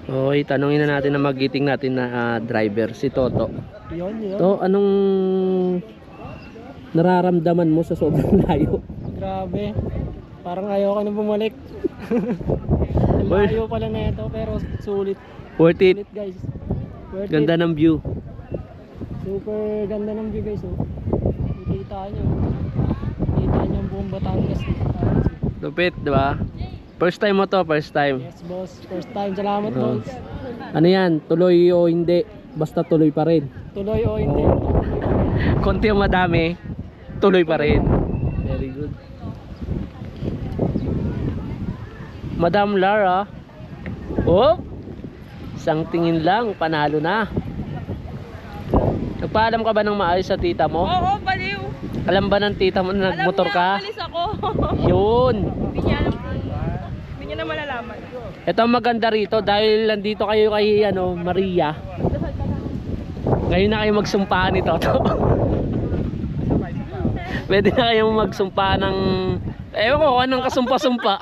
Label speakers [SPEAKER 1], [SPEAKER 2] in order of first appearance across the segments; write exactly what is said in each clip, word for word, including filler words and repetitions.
[SPEAKER 1] Okay, tanungin na natin na magiting natin na ah, driver, si Toto.
[SPEAKER 2] Yun, yun.
[SPEAKER 1] To, anong nararamdaman mo sa sobrang layo?
[SPEAKER 2] Grabe. Parang ayaw ka na bumalik.
[SPEAKER 1] Well,
[SPEAKER 2] Layo pala na ito pero sulit.
[SPEAKER 1] worth it.
[SPEAKER 2] Sulit guys. Worth
[SPEAKER 1] Ganda
[SPEAKER 2] it.
[SPEAKER 1] ng view.
[SPEAKER 2] Super ganda ng view guys. Oh. Nakikita nyo. Nakikita nyo ang buong Batangas.
[SPEAKER 1] Lupit, di ba? First time mo to, first time.
[SPEAKER 2] Yes boss. First time. Salamat
[SPEAKER 1] Oh.
[SPEAKER 2] boss.
[SPEAKER 1] Ano yan? Tuloy o hindi? Basta tuloy pa rin.
[SPEAKER 2] Tuloy o hindi.
[SPEAKER 1] Konti o madami, tuloy pa rin. Very good. Madam Lara. Oh, isang tingin lang, panalo na. Nagpaalam ka ba ng maayos sa tita mo?
[SPEAKER 3] Oo, baliw.
[SPEAKER 1] Alam ba ng tita mo na nagmotor
[SPEAKER 3] Alam
[SPEAKER 1] ka?
[SPEAKER 3] niya, umalis ako.
[SPEAKER 1] Yun.
[SPEAKER 3] Hindi niya alam. Hindi niya na malalaman.
[SPEAKER 1] Ito ang maganda rito dahil nandito kayo kay ano, Maria. Ngayon na kayo magsumpaan ni Toto. Pwede na kayong magsumpa ng ewan ko kung anong kasumpa-sumpa.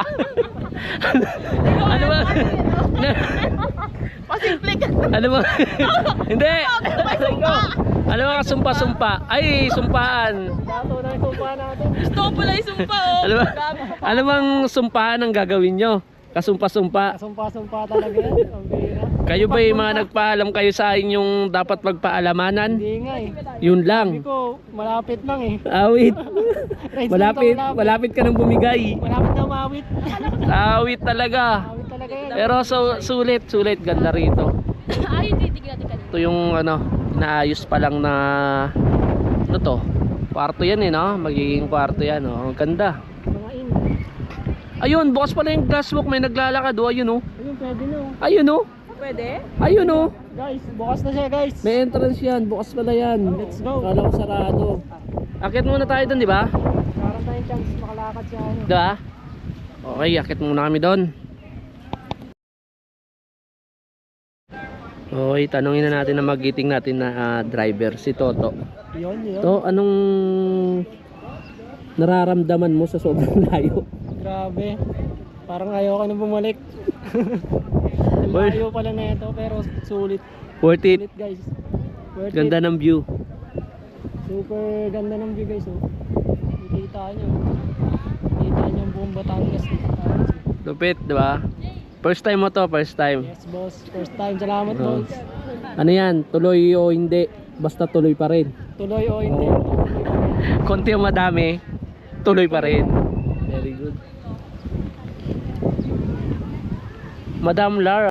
[SPEAKER 1] Ano ba?
[SPEAKER 3] Pasimple ka.
[SPEAKER 1] Ano ba? Hindi. Ano ba kasumpa-sumpa? Ay, sumpaan.
[SPEAKER 2] Dato na yung sumpa natin.
[SPEAKER 3] Gusto ko pala isumpa, oh.
[SPEAKER 1] Ano ba?
[SPEAKER 3] Gago ka pa.
[SPEAKER 1] Ano bang sumpaan ang gagawin nyo? Kasumpa-sumpa.
[SPEAKER 2] Kasumpa-sumpa talaga yan. Ang bihira.
[SPEAKER 1] Kayo ba yung mga nagpaalam kayo sa inyong dapat magpaalamanan?
[SPEAKER 2] Hindi nga eh.
[SPEAKER 1] Yun
[SPEAKER 2] Sabi
[SPEAKER 1] lang.
[SPEAKER 2] ko, malapit lang eh.
[SPEAKER 1] Awit.
[SPEAKER 2] Rides
[SPEAKER 1] Malapit,
[SPEAKER 2] lang to,
[SPEAKER 1] malapit ka nang bumigay.
[SPEAKER 2] Malapit na umawit.
[SPEAKER 1] Awit talaga.
[SPEAKER 2] Awit talaga yan.
[SPEAKER 1] Pero so, sulit, sulit. Ganda rito.
[SPEAKER 3] Ay, titignan natin kanina.
[SPEAKER 1] Ito yung ano, inaayos pa lang na ano to? Kwarto yan eh, no? Magiging kwarto yan, oh. Ang ganda.
[SPEAKER 2] Mga in.
[SPEAKER 1] Ayun, bukas pala yung glasswalk. May naglalakad, oh. Ayun, oh.
[SPEAKER 2] Ayun, pwede na oh.
[SPEAKER 1] Ayun, oh.
[SPEAKER 3] Pwede?
[SPEAKER 1] Ayun, oh.
[SPEAKER 2] Guys, bukas na siya guys.
[SPEAKER 1] May entrance yan. Bukas pala yan.
[SPEAKER 2] Let's go.
[SPEAKER 1] Kala ko sarado. Akit muna tayo doon, di ba?
[SPEAKER 2] Parang tayong chance makalakad siya ano.
[SPEAKER 1] Di ba? Okay, akit muna kami doon. Okay, tanungin na natin na magiting natin na ah, driver, si Toto.
[SPEAKER 2] Yun, yun.
[SPEAKER 1] To, anong nararamdaman mo sa sobrang layo?
[SPEAKER 2] Grabe. Parang ayaw ka na bumalik.
[SPEAKER 1] Well,
[SPEAKER 2] Layo pala na ito pero sulit.
[SPEAKER 1] worth it.
[SPEAKER 2] Sulit guys. Worth
[SPEAKER 1] Ganda
[SPEAKER 2] it.
[SPEAKER 1] ng view.
[SPEAKER 2] Super ganda ng view guys. Oh. Nakikita nyo. Nakikita nyo ang buong Batangas.
[SPEAKER 1] Lupit, di ba? First time mo to, first time.
[SPEAKER 2] Yes boss. First time. Salamat
[SPEAKER 1] Oh.
[SPEAKER 2] boss.
[SPEAKER 1] Ano yan? Tuloy o hindi? Basta tuloy pa rin.
[SPEAKER 2] Tuloy o hindi.
[SPEAKER 1] Konti o madami, tuloy pa rin. Very good. Madam Lara.